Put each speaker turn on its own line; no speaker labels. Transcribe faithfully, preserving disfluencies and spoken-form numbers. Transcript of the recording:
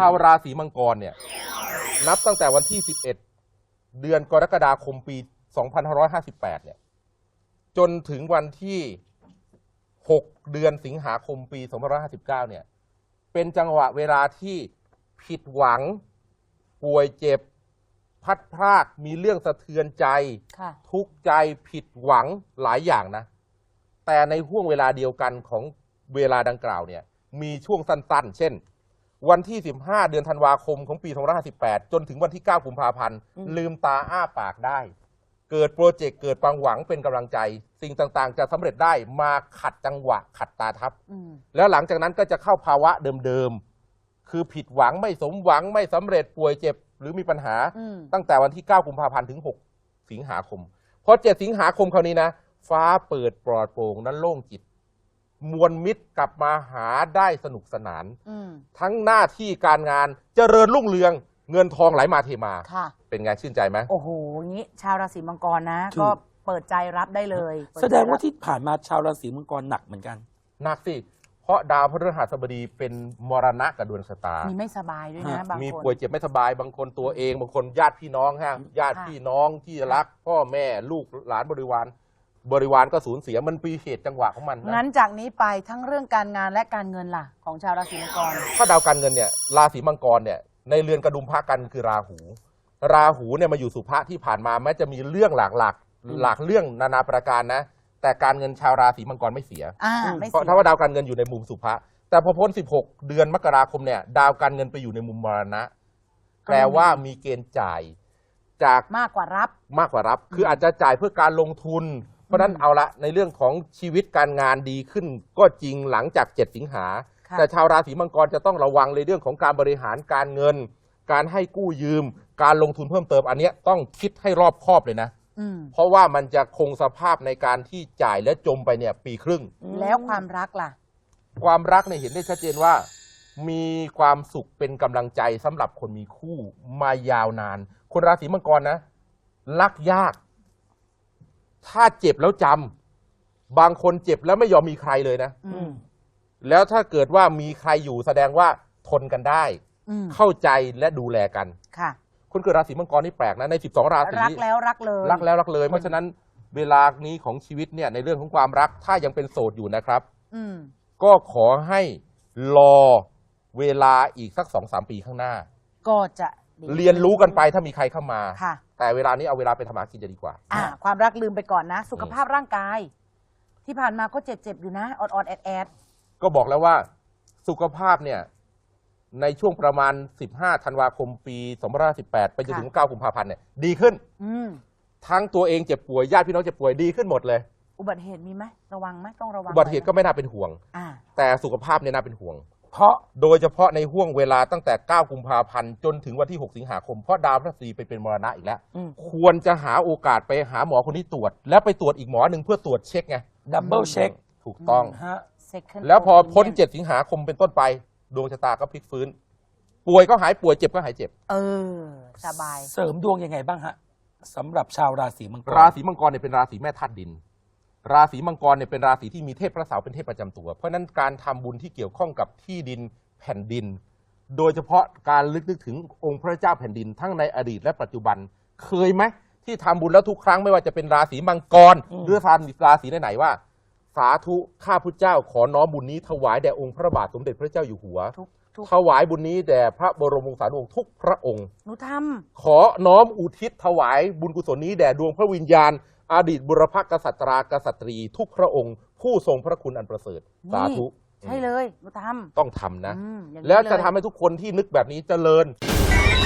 าวราศีมังกรเนี่ยนับตั้งแต่วันที่สิบเอ็ดเดือนกรกฎาคมปีสองพันห้าร้อยห้าสิบแปดเนี่ยจนถึงวันที่หกเดือนสิงหาคมปีสองพันห้าร้อยห้าสิบเก้าเนี่ยเป็นจังหวะเวลาที่ผิดหวังป่วยเจ็บพัดพรากมีเรื่องสะเทือนใจทุกข์ใจผิดหวังหลายอย่างนะแต่ในห่วงเวลาเดียวกันของเวลาดังกล่าวเนี่ยมีช่วงสั้นๆเช่นวันที่สิบห้าเดือนธันวาคมของปีสองพันห้าร้อยห้าสิบแปดจนถึงวันที่เก้ากุมภาพันธ์ลืมตาอ้าปากได้เกิดโปรเจกต์เกิดความหวังเป็นกำลังใจสิ่งต่างๆจะสำเร็จได้มาขัดจังหวะขัดตาทับแล้วหลังจากนั้นก็จะเข้าภาวะเดิมๆคือผิดหวังไม่สมหวังไม่สำเร็จป่วยเจ็บหรือมีปัญหาตั้งแต่วันที่เก้ากุมภาพันธ์ถึงหกสิงหาคมพอเจ็ดสิงหาคมคราวนี้นะฟ้าเปิดปลอดโปร่งนั้นโล่งจิตมวลมิตรกลับมาหาได้สนุกสนานทั้งหน้าที่การงานเจริญรุ่งเรืองเงินทองไหลมาเทมาเป็นไงชื่นใจไหม
โอ้โหงี้ชาวราศีมังกรนะก็เปิดใจรับได้เลย
แสดงว่าที่ผ่านมาชาวราศีมังกรหนักเหมือนกัน
หนักสิเพราะดาวพฤหัสบดีเป็นมรณะกับดวงชะตามี
ไม่สบายด้วยนะบางคน
มีป่วยเจ็บไม่สบายบางคนตัวเองบางคนญาติพี่น้องฮะญาติพี่น้องที่รักพ่อแม่ลูกหลานบริวารบริวารก็สูญเสียมันปีเหตุจังหวะของมัน
งั้นจากนี้ไปทั้งเรื่องการงานและการเงินล่ะของชาวราศีมังกร
ถ้าดาวการเงินเนี่ยราศีมังกรเนี่ยในเรือนกระดุมพระกันคือราหูราหูเนี่ยมาอยู่สุภะที่ผ่านมาแม้จะมีเรื่องหลากหลากหลากเรื่องนานาประการนะแต่การเงินชาวราศีมังกรไม่เสียเพราะถ้าว่าดาวการเงินอยู่ในมุมสุภะแต่พอพ้นสิบหกเดือนมกราคมเนี่ยดาวการเงินไปอยู่ในมุมมรณะแปลว่ามีเกณฑ์จ่ายจาก
มากกว่ารับ
มากกว่ารับคืออาจจะจ่ายเพื่อการลงทุนเพราะนั้นเอาละในเรื่องของชีวิตการงานดีขึ้นก็จริงหลังจากเจ็ดสิงหาแต่ชาวราศีมังกรจะต้องระวังในเรื่องของการบริหารการเงินการให้กู้ยืมการลงทุนเพิ่มเติมอันนี้ต้องคิดให้รอบคอบเลยนะเพราะว่ามันจะคงสภาพในการที่จ่ายและจมไปเนี่ยปีครึ่ง
แล้วความรักล่ะ
ความรักเนี่ยเห็นได้ชัดเจนว่ามีความสุขเป็นกำลังใจสำหรับคนมีคู่มายาวนานคนราศีมังกรนะรักยากถ้าเจ็บแล้วจำบางคนเจ็บแล้วไม่ยอมมีใครเลยนะแล้วถ้าเกิดว่ามีใครอยู่แสดงว่าทนกันได้เข้าใจและดูแลกันค่ะคนเกิดราศีมังกรนี่แปลกนะในสิบสองราศี
รักแล้วรักเลย
รักแล้วรักเลยเพราะฉะนั้นเวลานี้ของชีวิตเนี่ยในเรื่องของความรักถ้ายังเป็นโสดอยู่นะครับก็ขอให้รอเวลาอีกสักสองสามปีข้างหน้า
ก็จะ
เรียนรู้กันไปถ้ามีใครเข้ามาแต่เวลานี้เอาเวลาไปทำหากินจะดีกว่า
อ่าความรักลืมไปก่อนนะสุขภาพร่างกายที่ผ่านมาก็เจ็บๆอยู่นะออดๆแอด
ๆก็บอกแล้วว่าสุขภาพเนี่ยในช่วงประมาณสิบห้าธันวาคมปีสองพันห้าร้อยสิบแปดไปจนถึงเก้ากุมภาพันธ์เนี่ยดีขึ้นทั้งตัวเองเจ็บป่วยญาติพี่น้องเจ็บป่วยดีขึ้นหมดเลย
อุบัติเหตุมีไหมระวังไหมต้องระวัง
อุบัติเหตุก็ไม่น่าเป็นห่วงแต่สุขภาพเนี่ยน่าเป็นห่วง
เพราะ
โดยเฉพาะในห่วงเวลาตั้งแต่เก้ากุมภาพันธ์จนถึงวันที่หกสิงหาคมเพราะดาวพฤหัสบดีไปเป็นมรณะอีกแล้วควรจะหาโอกาสไปหาหมอคนที่ตรวจแล้วไปตรวจอีกหมอหนึ่งเพื่อตรวจเช็คไง
ดับเบิลเช็ค
ถูกต้องแล้วพอพ้นเจ็ดสิงหาคมเป็นต้นไปดวงชะตาก็พลิกฟื้นป่วยก็หายป่วยเจ็บก็หายเจ็บ
เออสบาย
เสริมดวงยังไงบ้างฮะสำหรับชาวราศีมังกร
ราศีมังกรเนี่ยเป็นราศีแม่ธาตุดินราศีมังกรเนี่ยเป็นราศีที่มีเทพพระเสาร์เป็นเทพประจำตัวเพราะนั้นการทำบุญที่เกี่ยวข้องกับที่ดินแผ่นดินโดยเฉพาะการลึกนึกถึงองค์พระเจ้าแผ่นดินทั้งในอดีตและปัจจุบันเคยไหมที่ทำบุญแล้วทุกครั้งไม่ว่าจะเป็นราศีมังกรหรือราศีไหนๆว่าสาธุข้าพุทธเจ้าขอน้อมบุญนี้ถวายแด่องค์พระบาทสมเด็จพระเจ้าอยู่หัวถวายบุญนี้แด่พระบรมวงศานุวงศ์ทุกพระองค์
หนูท
ำขอน้อมอุทิศถวายบุญกุศลนี้แด่ดวงพระวิญญาณอดีตบุรพกษัตรากษัตรีทุกพระองค์ผู้ทรงพระคุณอันประเสริฐสาธุ
ใช่เลยหนูท
ำต้องทำนะแล้วจะทำให้ทุกคนที่นึกแบบนี้เจริญ